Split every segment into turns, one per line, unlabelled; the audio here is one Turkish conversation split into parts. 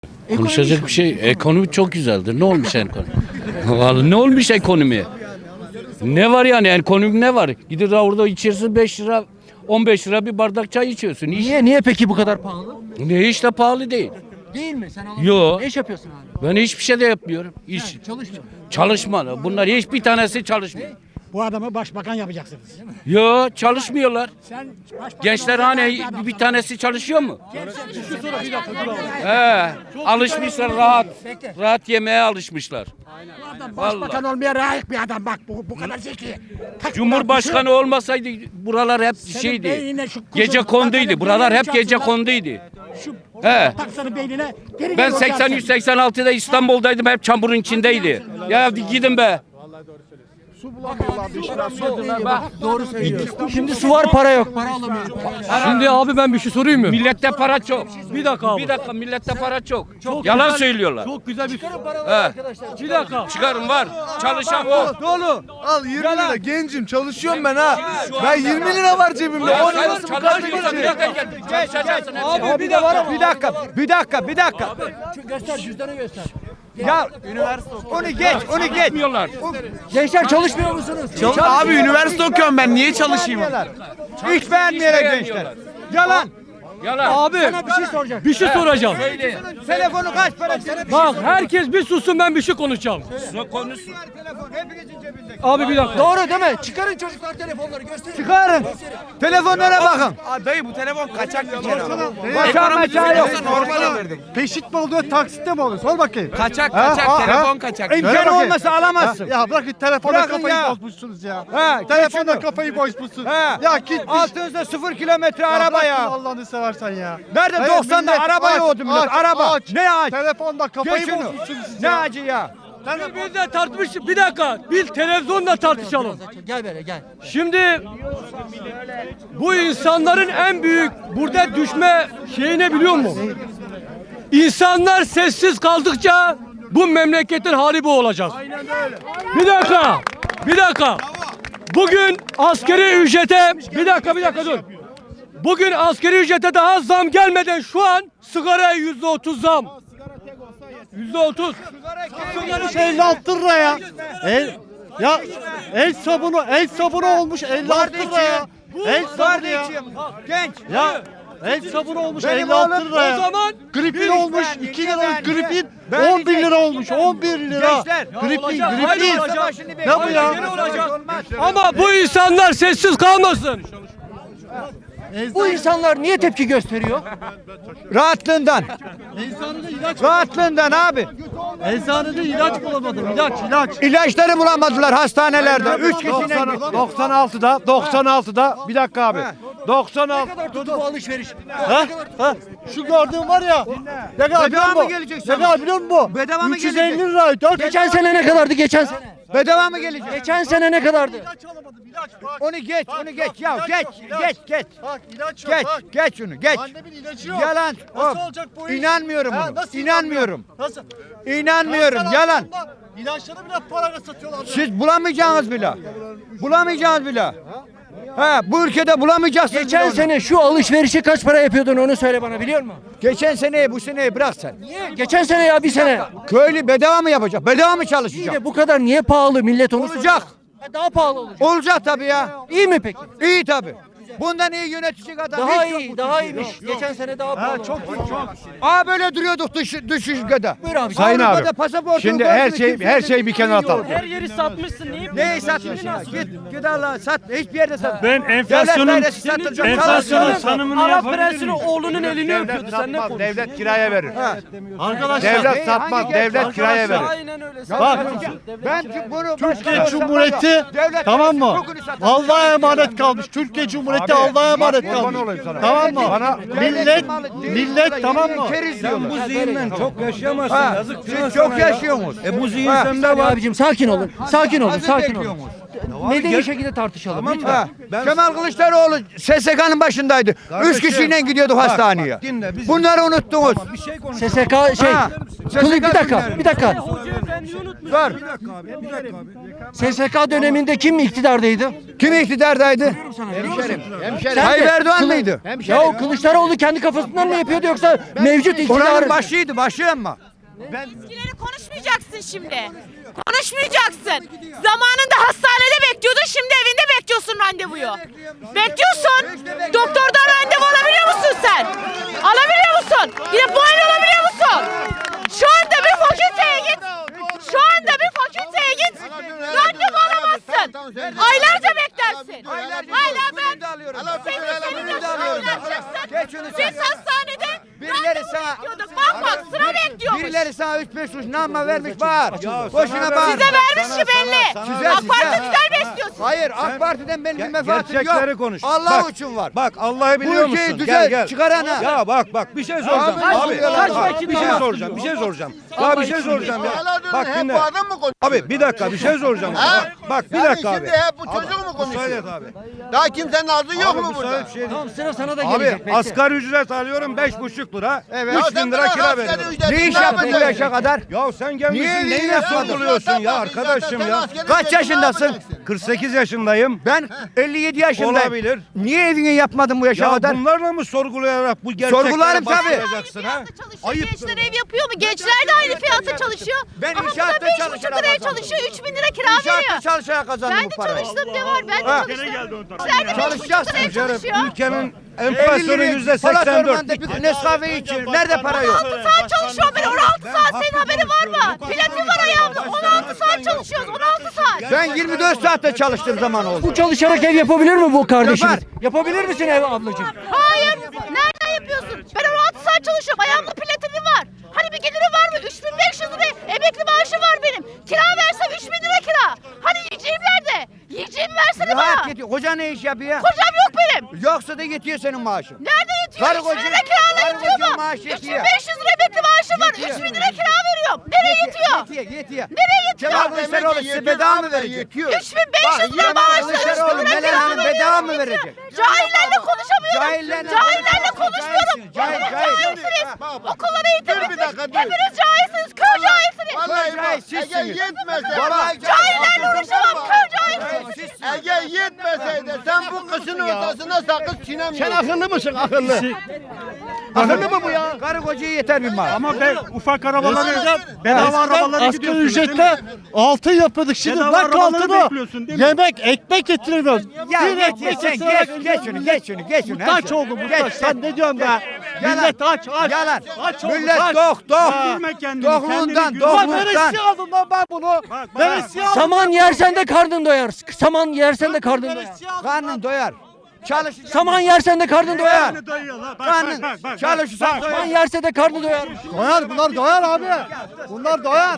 Konuşacak bir şey. Ekonomi çok güzeldir. Ne olmuş ekonomi? Vallahi ne olmuş ekonomi? Ne var yani ekonomi ne var? Gidip orada içersin 5 lira 15 lira bir bardak çay içiyorsun.
Niye peki bu kadar pahalı?
Ne hiç de pahalı değil.
Değil mi? Sen alamıyorsun.
Yo.
Ne iş yapıyorsun abi?
Ben hiçbir şey de yapmıyorum. İş.
Çalışmıyor.
Çalışma. Bunlar hiçbir tanesi çalışmıyor.
Bu adamı başbakan yapacaksınız.
Yo çalışmıyorlar.
Sen başbakan
Gençler hani bir tanesi çalışıyor mu? He, alışmışlar rahat. Rahat yemeğe alışmışlar.
başbakan olmaya layık bir adam bak bu kadar zeki.
Cumhurbaşkanı olmasaydı buralar hep şeydi.
beynine şu kuzun
Gece konduydu.
takarım,
Buralar hep
beynine
gece
çarpsınlar.
konduydu.
Şu
He.
taksana beynine. Geri
Ben
gel olacaksın.
83-86'da İstanbul'daydım. Hep çamurun içindeydi. Ya gidin be.
Doğru söylüyor. Şimdi su var para yok. Para alamıyoruz.
Şimdi abi ben bir şey sorayım mı?
Millette para çok.
Bir dakika abi.
Bir dakika millette para çok. Yalan söylüyorlar.
Çok güzel bir
He.
Bir dakika.
Çıkarın var. Çalışan var.
Dolu. Al 20 lira gencim çalışıyorum ben ha. Ben 20 lira var cebimde.
Ya
10
sen
lirası bu kadar
çalışmıyorsan bir
geçecek.
dakika gel. Çalışacaksın.
Abi bir dakika.
Bir dakika.
Göster cüzdanı göster.
Ya onu geç.
Yapmıyorlar.
Gençler çalışmıyor musunuz?
Abi üniversite okuyorum ben niye çalışayım? Hiç beğenmeyerek gençler. Yalan.
Yalan.
Abi
Bir şey soracak.
bir şey soracağım.
Söyle.
Telefonu kaç para?
Bak herkes bir sussun ben bir şey konuşacağım.
Konuşsun.
Telefon hepinizin cebinde.
Abi bir dakika.
Doğru değil mi? Çıkarın çocuklar telefonları gösterin.
Çıkarın. Telefonlara bakın. Dayı bu telefon kaçak bir kere. Kaçak yok. Normal alırdım.
Peşit mi oluyor, taksitte mi oluyor? Sor bakayım.
Kaçak
telefon
kaçak.
Ver
İmkanı
bakayım.
olmasa alamazsın.
Ya bırakın telefona
Bırakın
kafayı
ya.
bozmuşsunuz ya.
Ha,
Telefonda
geç
kafayı bozmuşsun.
Ha.
Ya gitmiş.
Altınızda 0 kilometre araba
bırakın
ya.
Allah'ını seversen ya.
Nerede
Hayır,
90'da
millet
araba
aç,
yoğurdu millet.
aç,
Araba.
aç.
Ne aç?
Telefonda kafayı
Geç şunu.
bozmuşsunuz siz
Ne
ya.
acı ya?
Biz de tartışmış. Bir dakika. Bir televizyonda tartışalım.
Gel böyle gel.
Şimdi bu insanların en büyük burada düşme şeyi ne biliyor musun? İnsanlar sessiz kaldıkça bu memleketin hali bu olacak. Bir dakika. Bugün askeri ücrete bir dakika dur. Bugün askeri ücrete daha zam gelmeden şu an sigaraya %30 zam. %30.
Sigara 56 lira ya. El sabunu olmuş 56 lira ya. El sabunu ya.
Genç.
Ya el sabunu olmuş
Benim
56
oğlum
lira ya.
o zaman
Gripin
bir-
olmuş
ben
2
niye
lira
ben
gripin
niye?
11 lira olmuş 11 lira.
Gençler.
Gripin
Olacak, hayır
gripin.
olacak.
Ne bu ya?
Yine olacak. Ama bu insanlar sessiz kalmasın.
Bu insanlar niye tepki gösteriyor?
Rahatlığından. Rahatlığından abi.
Eczanede ilaç bulamadım ilaç.
İlaçları bulamadılar hastanelerde. 3 kişinin
96'da bir dakika abi. 96
Tuttu bu alışveriş.
Ha? Şu gördüğün var ya. Ne kadar biliyor
Bedava mı
musun?
gelecek
Ne
sana?
kadar biliyor musun?
Bedava mı
350
gelecek?
lira. 4
Geçen sene ne kadardı geçen sene?
Bedava mı gelecek?
Geçen sene ne kadardı?
Onu geç ya. Geç.
Bak ilaç yok bak.
Geç onu geç.
Annemin ilacı yok.
Yalan.
Nasıl
Hop.
olacak bu iş?
İnanmıyorum
Ha,
bunu.
nasıl
İnanmıyorum.
Nasıl?
İnanmıyorum.
Kanser
Yalan.
hastalarında İlaçları bile parayla satıyorlar. ya.
Siz bulamayacaksınız bile. Bulamayacağınız bile. Ha, bu ülkede bulamayacaksınız.
Geçen
bile onu.
sene şu alışverişi kaç para yapıyordun onu söyle bana biliyor musun?
Geçen seneyi bu seneyi bırak sen.
Niye? Geçen sene ya bir sene.
Köylü bedava mı yapacak? Bedava mı
İyi
çalışacak?
de bu kadar niye pahalı millet onu
Olacak.
soruyor. Daha pahalı olacak.
Olacak tabii ya.
İyi mi peki?
İyi tabii. Bundan iyi yönetecek adam
Daha
hiç yok
iyi,
bu
daha
Türkiye'de.
iyiymiş. Geçen sene daha pahalı. Çok
Aa böyle duruyorduk dış ülkede.
Buyur abi.
Sayın
Avrupa'da
abi,
pasaportunu
şimdi
gördü
her
mü
şey
kimse
her
de
şeyi bir kenara atalım.
Her yeri satmışsın.
Neyi satmışsın? Git Allah sat. Hiçbir yerde sat.
Ben enflasyonun tanımını
Arap
yapabilir
prensinin
miyim?
oğlunun elini öpüyordu. Sen ne
Satmaz,
konuşuyorsun?
devlet kiraya verir.
Arkadaşlar
Devlet satmaz,
hangi
devlet kiraya verir.
Aynen öyle.
bak
Ben bunu
Türkiye Cumhuriyeti tamam mı? Allah'a emanet kalmış. Türkiye Cumhuriyeti Allah'a emanet
kurban
kalmış.
olayım sana.
Tamam mı?
Bana-
Millet tamam mı?
Keriz diyorlar.
Bu zihinden çok
yaşayamazsın. Yazık. Siz çok yaşıyorsunuz.
bu zihin sende var. Abicim sakin olun. Sakin olun.
Hazır
Sakin olun.
bekliyorsunuz.
Medeni şekilde tartışalım lütfen.
Ha, Kemal Kılıçdaroğlu SSK'nın başındaydı. 3 kişiyle gidiyorduk hastaneye. Bunları unuttunuz.
SSK şey.
Ha,
Kılıç bir dakika.
günleri.
Bir dakika.
Hoca efendi
Dur.
SSK döneminde kim iktidardaydı?
Kim iktidardaydı? Tayyip Erdoğan mıydı?
Ya o Kılıçdaroğlu kendi kafasından mı yapıyordu yoksa mevcut iktidar?
Oranın başıydı, başı ama.
Eskileri konuşmayacaksın şimdi. Konuşmayacaksın. Zamanında hastanede bekliyordun, şimdi evinde bekliyorsun randevuyu. Bekliyorsun. Doktordan randevu alabiliyor musun sen? Alabiliyor musun? Gidip muayene olabiliyor musun? Şu anda bir fakülteye git. Şu anda bir fakülteye git. Randevu alamazsın. Aylarca beklersin. Hala ben senin yaşını biz hastanede
Birileri sana
bekliyorduk. Bak sıra bekliyormuş.
Birileri sana 3-5 kuruş nama vermiş bağır. Boşuna bağır.
Size vermiş ki belli.
Güzel,
AK Parti
güzel.
güzel besliyor sizi.
Hayır, AK Parti'den benim bir menfaatim
Gerçekleri
yok.
konuş.
Allah
Bak,
için var.
Bak Allah'ı biliyor
Bu ülkeyi
musun?
düzel çıkarana.
Ya bak bir şey soracağım. Abi bir şey soracağım. Bir şey soracağım. Ya bir şey soracağım ya. Bak dinle. Abi bir dakika bir şey soracağım. Bak bir dakika abi.
Şimdi hep bu çocuk mu konuşuyor?
Müsaade et abi.
Daha kimsenin ağzı yok mu
Abi
burada?
müsaade bir şey değil.
Tamam sıra sana da gelecek.
Abi
bekle.
asgari ücret alıyorum 5,5 lira.
Evet.
3.000 lira kira veriyorum.
Ne iş yaptın bu yaşa kadar?
Ya sen gelmişsin
Niye
neyine
yapmadın?
sorguluyorsun ya arkadaşım ya.
Kaç yaşındasın?
48 yaşındayım.
Ben 57 yaşındayım.
Olabilir.
Niye evini yapmadın bu yaşa
Ya
kadar?
bunlarla mı sorgulayarak bu gerçekleri
Sorgularım tabii.
bastıracaksın ha?
Gençler ev yapıyor mu? Gençler de aynı fiyata çalışıyor.
Ben
Ama
inşaatta
burada 5,5
çalışarak
liraya
kazandım.
çalışıyor. 3.000 lira kira
İnşaatta
veriyor.
çalışarak kazandım
Ben
bu
de
parayı.
çalıştım ne var? Ben de
Ha.
çalıştım. Gençler de 5,5
Çalışacaksın
liraya çalışıyor.
Ülkenin enflasyonu
50
%84.
bir Nescafe içiyor. Nerede para yok?
16 saat çalışıyorum ben. 16 saat senin haberin var mı? Platin var ayağımda. 16 saat çalışıyoruz. 16 saat.
Ben 24 saatte çalıştığım zaman oldu.
Bu çalışarak ev yapabilir mi bu kardeşiniz?
Yapar.
Yapabilir misin ev ablacığım?
Hayır. Nereden yapıyorsun? Ben 16 saat çalışıyorum. Ayağımda platini var. Hani bir geliri var mı? 3.500 lira emekli maaşı var benim. Kira versem 3.000 lira kira. Hani yiyeceğim nerede? Yiyeceğimi versene bana.
Rahat yetiyor. Koca ne iş yapıyor?
Kocam yok benim.
Yoksa da yetiyor senin maaşın.
Nerede yetiyor?
Karı
3 bin
koca-
lira kirayla
karı
yetiyor
koca
mu?
maaş yetiyor.
3500 lira emekli maaşım var.
Yetiyor.
3 bin lira kira veriyorum. Nereye yetiyor?
Yetiyor.
Nereye yetiyor?
Kemal Kılıçdaroğlu size bedava mı verecek?
3500 lira maaşla 3 bin
Kılıçdaroğlu
lira
Meral
kira
Hanım bedava mı
veriyorum.
verecek?
Cahillerle konuşamıyorum.
Cahillerle-
Cahillerle konuşmuyorum.
Cahil,
Hepiniz
cahil.
cahilsiniz. Okulları eğitim
Dur bir dakika, dur.
Hepiniz cahilsiniz. Kör cahilsiniz.
Vallahi
Cahil
bak,
sizsiniz.
Ege yetmese
Baba,
bak.
Cahillerle uğraşamam. Kör cahilsiniz.
Ege yetmeseydi sen bu kışın ortasında sakız çiğnemiyorsun.
Sen akıllı mısın akıllı? Akıllı mı bu ya?
Karı kocaya yeter bir maaş.
Ama ben ufak arabaları bedava arabaları asgari ücretle altın yapıyorduk. Şimdi bırak altını. Yemek, ekmek getirmiyoruz.
Ya
Bir
geç,
ekmek
sen
getirerek
geç şunu.
Muhtaç oldu muhtaç. Sen ne diyorsun be? Millet aç.
Yalan.
Aç oldu,
Millet
aç.
tok.
Güldürme kendini,
Dokluğundan,
kendini güldürme.
dokluğundan.
Lan neresi aldım lan ben bunu? Neresi aldım?
Saman yersen de karnın doyar. Saman yersen de karnın doyar.
Karnın doyar. Çalışacaksın.
Saman yersen de karnın doyar.
Karnın çalışırsan
Saman
doyar.
yerse de karnı doyar.
Doyar bunlar doyar abi. Bunlar doyar.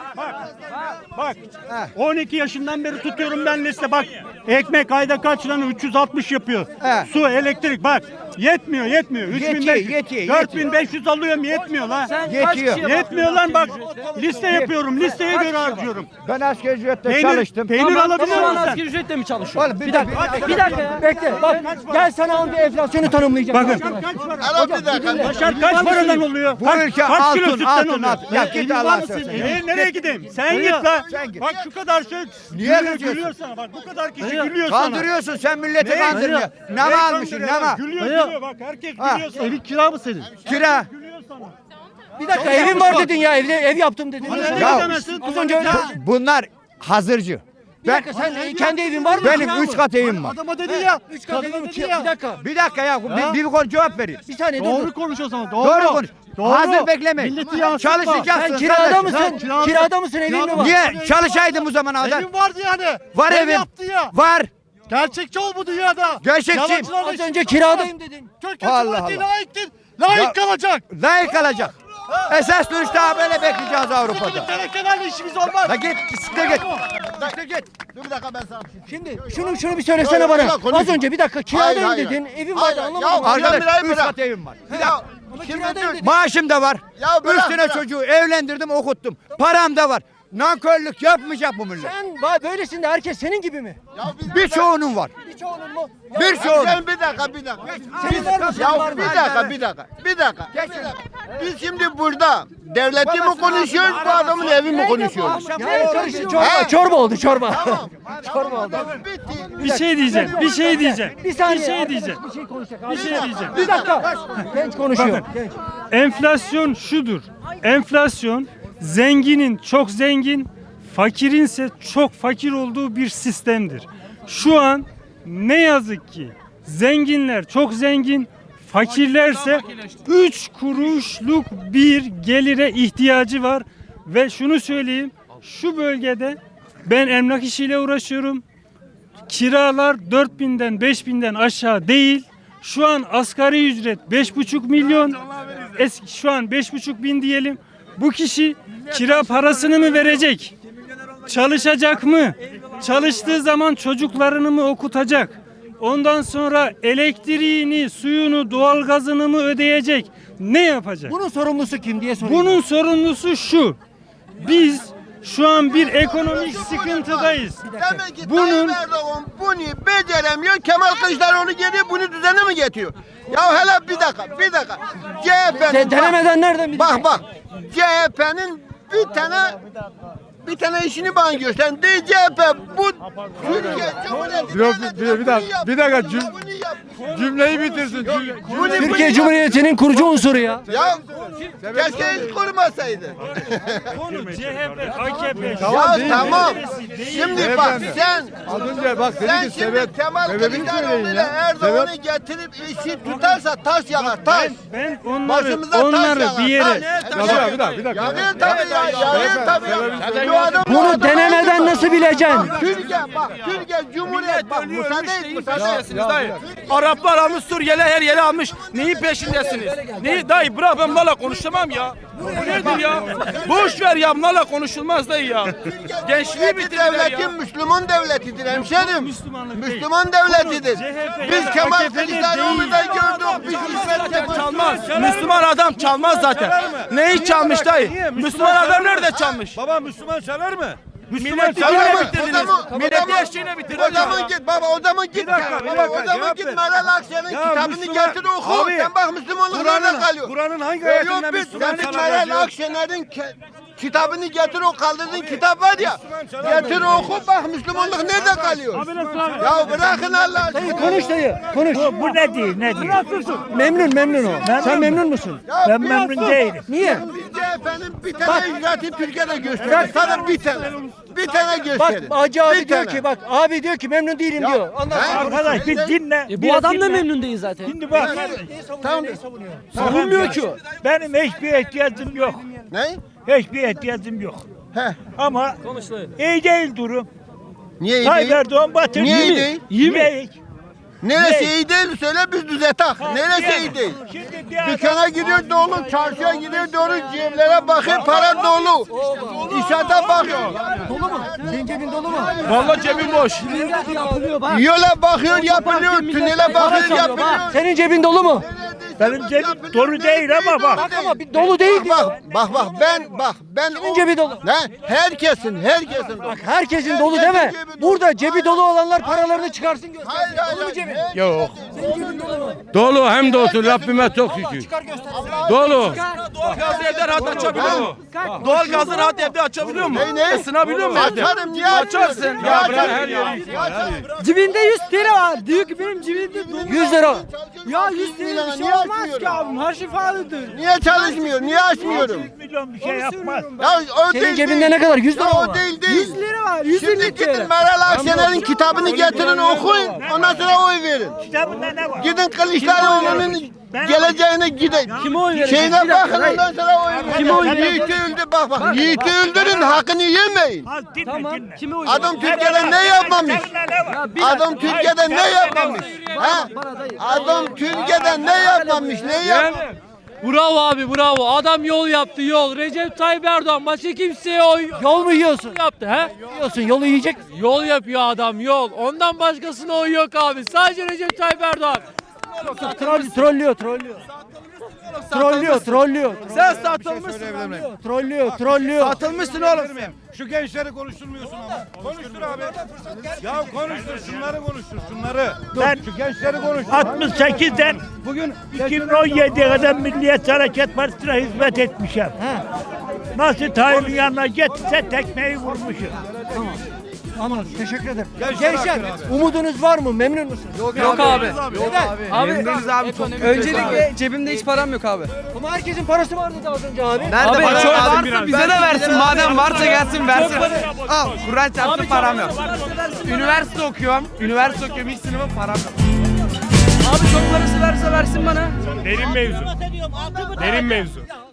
Bak 12 yaşından beri tutuyorum ben liste bak. Ekmek ayda kaç lan 360 yapıyor.
He.
Su, elektrik bak. Yetmiyor. 3500.
Yetiyor.
4500 alıyorum yetmiyor lan.
Yetiyor.
Yetmiyor lan bak. Liste yapıyorum. Listeye göre harcıyorum.
Ben asgari ücretle çalıştım.
Peynir alabiliyor musun sen?
Asgari ücretle mi çalışıyor?
Oğlum
Bir dakika ya. Bekle. Bak gel sana bir enflasyonu tanımlayacağım.
Bakın.
Al bir dakika.
Başar kaç paradan oluyor?
Bu ülke
kaç kilo
altın,
sütten
altın,
oluyor?
altın. Ya git Allah'a seversen.
Nereye gideyim? Sen git la.
Sen git.
Bak şu kadar şey
Niye
gülüyor,
kızıyorsun?
gülüyor sana. Bak bu kadar kişi gülüyor sana.
Kandırıyorsun sen milleti
Ne?
kandırıyorsun. Nama
Ne
almışsın
kandırıyor lan?
nama.
Gülüyor bak herkes
Ha.
gülüyor sana. Evin kira mı senin?
Kira.
Gülüyor sana.
Bir dakika evim var dedin ya. Ev yaptım dedin.
Ya,
Az önce öyle.
Bunlar hazırcı.
Bir dakika sen kendi evin var mı?
Benim 3 kat evim var.
Adama dedin ya.
3 kat evim ki. Bir dakika.
Bir dakika ya bir konu cevap vereyim.
Bir saniye dur.
Doğru konuş o zaman.
Doğru konuş. Hazır beklemeyin.
Milleti yansıtma.
Çalışacaksın.
Sen kirada
kardeşim.
mısın?
kirada-
Kirada mısın? Evin mi var?
Niye? Çalışaydım bu zamana kadar.
Evin vardı yani.
Var
Ev
evim.
yaptı ya.
Var.
Gerçekçi ol bu dünyada.
Gerçekçiyim.
Yalancılarla
Az
işin
önce
yok.
kiradayım dedin.
Türkiye
Allah
Cumhuriyeti
Allah.
layıktır. Layık
Ya-
kalacak.
Layık kalacak. Esas dönüş daha böyle bekleyeceğiz Avrupa'da.
Tenekelerle işimiz olmaz.
La git, siktir git. Siktir git.
Dur bir dakika ben sana bir şey
Şimdi şunu bir söylesene bana. Az önce bir dakika kiradayım
Hayır,
dedin.
hayır.
Evim vardı
Hayır,
anlamadım.
ya-
Arkadaş
bırak.
3 kat evim var.
Ya,
Ama
şimdi
kiradayım
dur.
dedin.
Maaşım da var.
Ya
3
bırak,
tane
bırak.
çocuğu evlendirdim okuttum. Param da var. nankörlük yapmayacak bu millet.
Sen böylesin de herkes senin gibi mi?
Birçoğunun var.
Birçoğunun mu?
Birçoğunun.
Sen bir dakika.
Senin var mı? Senin var
Ya
mı?
bir dakika. Biz şimdi burada devleti mi konuşuyoruz, bu adamın evi mi konuşuyoruz?
Ya karıştı, çorba oldu çorba. Çorba oldu.
Bitti.
Bir şey diyeceğim. Bir şey diyeceğim.
Bir saniye.
Bir şey diyeceğim.
Bir şey konuşacak.
Bir şey diyeceğim.
Bir dakika. Genç konuşuyor.
Bakın.
Genç.
Enflasyon şudur. Enflasyon zenginin çok zengin, fakirinse çok fakir olduğu bir sistemdir. Şu an ne yazık ki zenginler çok zengin, fakirlerse 3 kuruşluk bir gelire ihtiyacı var ve şunu söyleyeyim. Şu bölgede ben emlak işiyle uğraşıyorum. Kiralar 4000'den 5000'den aşağı değil. Şu an asgari ücret 5,5 milyon. Şu an 5,5 bin diyelim. Bu kişi kira parasını mı verecek? Çalışacak mı? Çalıştığı zaman çocuklarını mı okutacak? Ondan sonra elektriğini, suyunu, doğalgazını mı ödeyecek? Ne yapacak?
Bunun sorumlusu kim diye soruyorum.
Bunun sorumlusu şu. Biz şu an bir ekonomik sıkıntıdayız.
Demek ki
Bunun-
Tayyip Erdoğan bunu beceremiyor, Kemal Kılıçdaroğlu geliyor bunu düzene mi getiriyor? Ya hele bir dakika. CHP'nin
Denemeden nereden bilecek?
bak CHP'nin bir tane işini bana göster. CHP bu Türkiye Cumhuriyeti
bir dakika, cümleyi bitirsin.
Türkiye Cumhuriyeti'nin kurucu unsuru ya.
Ya keşke hiç kurmasaydı.
Konu CHP, AKP.
Ya tamam. Şimdi bak sen
Az önce bak
sen şimdi Kemal Kılıçdaroğlu ile Erdoğan'ı getirip işi tutarsa taş yakar taş.
Ben
Başımıza taş
onları
yakar,
bir yere
taş.
Bir dakika.
Yağıyor tabii ya, yağıyor tabii. Şu adam-
Bunu denemeden nasıl bileceksin?
Türkiye Cumhuriyet bak müsaade et.
Araplar almış, Suriyeli her yeri almış. Neyin peşindesiniz? Neyi dayı bırak ben bunlarla konuşamam ya. Bu nedir ya? Boş ver ya bunlarla konuşulmaz dayı ya. Gençliği bitirdiler ya.
Devletin Müslüman devletidir hemşerim.
Müslümanlık değil.
Müslüman devletidir.
CHP
Biz Kemal
AKP'de
Kılıçdaroğlu'da gördük. Biz İsmet Kemal
Çalmaz. Müslüman adam çalmaz zaten. Neyi çalmış dayı? Müslüman adam nerede çalmış?
Baba Müslüman çalar mı?
Milleti
Tamam,
yine
o
bitirdiniz.
zaman-
Milleti eşeğine
O
bitirdiniz.
zaman git baba, o zaman git.
dakika, bir
Baba,
dakika,
o zaman
cevap
git
ver.
Meral Akşener'in
Ya
kitabını
Müslüman-
getir oku.
Abi,
Sen bak Müslümanlık nerede kalıyor?
Kur'an'ın hangi
Yok
ayetinde
biz
Müslüman
senin
çalar
Meral
yazıyor?
Akşener'in kitabını getir o kaldırdığın kitap var ya. Getir oku bak Müslümanlık nerede kalıyor? Ya bırakın Allah
Dayı
aşkına.
konuş dayı. Konuş.
Bu ne değil, ne değil?
Memnun o. Sen memnun musun?
Ya
Ben
bir
memnun
sus.
değilim.
Niye?
CHP'nin bir tane icraatı Türkiye'de gösterir. Sana bir tane. Bir tane
Bak
gösterir.
Hacı abi
Bir
diyor
tane.
ki bak abi diyor ki memnun değilim diyor. Ondan sonra
Arkadaş bir dinle.
bu adam da memnun değil zaten.
Şimdi bak.
Tamam.
Savunmuyor ki o.
Benim hiçbir ihtiyacım yok.
Ne?
Hiçbir ihtiyacım yok.
Heh.
Ama iyi değil durum.
Niye iyi
Tayyip
değil?
Erdoğan batırdı.
Niye iyi değil?
İyi mi?
Neresi iyi değil söyle biz düzeltek. Neresi iyi değil?
Şimdi bir adam-
Dükkana gidiyor dolu, çarşıya gidiyor dolu, ceblere bakıyor para dolu. İnşaata bakıyor.
Dolu mu? Senin cebin dolu mu?
Vallahi cebim boş.
Yapılıyor bak.
Yola bakıyor yapılıyor, tünele bakıyor yapılıyor.
Senin cebin dolu mu?
Benim cebim dolu değil ama bak.
Bak ama bir dolu değil diyor.
Ben
Kimin cebi dolu?
Ne? Herkesin.
Bak herkesin dolu deme. Burada cebi dolu olanlar paralarını çıkarsın göster.
Hayır,
Dolu mu cebin?
Yok.
Senin cebin dolu mu?
Dolu hem de olsun Rabbime çok şükür.
Çıkar göster.
Dolu.
Doğalgazı evde rahat açabiliyor mu? Doğalgazı rahat evde açabiliyor mu?
Ne?
Isınabiliyor mu evde?
Açarım niye
Açarsın.
açmıyorsun?
Ya
Niye
bırak her
açarım?
yeri.
Niye açarım?
Cebinde 100 TL var. Diyor ki benim cebimde
100 lira.
Ya 100 TL bir şey olmaz ki abim. Her şey pahalıdır.
Niye çalışmıyor? Niye açmıyorum?
Milyon bir şey yapmaz.
Ya o
Senin
değil,
cebinde
değil.
ne kadar? 100 lira
Ya
mı
o
var?
değil
100
değil.
lira var.
Şimdi
150
gidin
TL.
Meral Akşener'in kitabını getirin okuyun. Ondan sonra oy verin.
Kitabında ne var?
Gidin Kılıçdaroğlu'nun geleceğine gidin.
Kime oy verecek?
Şeyine
Bir dakika,
bakın ondan sonra oy verin.
Kime oy verecek?
Yiğit'i öldür bak. Yiğit'i öldürün hakkını yemeyin.
Az dinle
Tamam.
dinle.
Kime oy
Adam Türkiye'de ne yapmamış?
Kitabında ne var?
Adam Türkiye'de ne yapmamış? Ha? Adam Türkiye'de ne yapmamış? Ne yapmamış?
Bravo abi bravo. Adam yol yaptı yol. Recep Tayyip Erdoğan başka kimseye oy
Yol mu yiyorsun?
yaptı he?
Yiyorsun yolu yiyecek misin?
Yol yapıyor adam yol. Ondan başkasına oy yok abi. Sadece Recep Tayyip Erdoğan.
Trollüyor. Trollüyor.
Sen satılmışsın.
Trollüyor.
Satılmışsın oğlum.
Şu gençleri konuşturmuyorsun ama. Konuştur abi. Ya konuştur şunları konuştur şunları.
Ben
Şu gençleri konuştur.
68'den
Bugün
2017'ye kadar Milliyetçi Hareket Partisi'ne hizmet etmişim. Nasıl Tayyip'in yanına gitse tekmeyi vurmuşum.
Anladım. Teşekkür ederim. Gençler umudunuz var mı? Memnun musunuz?
Yok abi.
Neden?
Öncelikle cebimde hiç param yok abi.
Ama herkesin parası vardı da az önce abi.
Abi çok varsa bize de versin. Madem varsa gelsin versin. Al Kur'an çarptı param yok. Üniversite okuyorum. İlk sınıfım param yok. Abi çok parası verse versin bana.
Derin mevzu.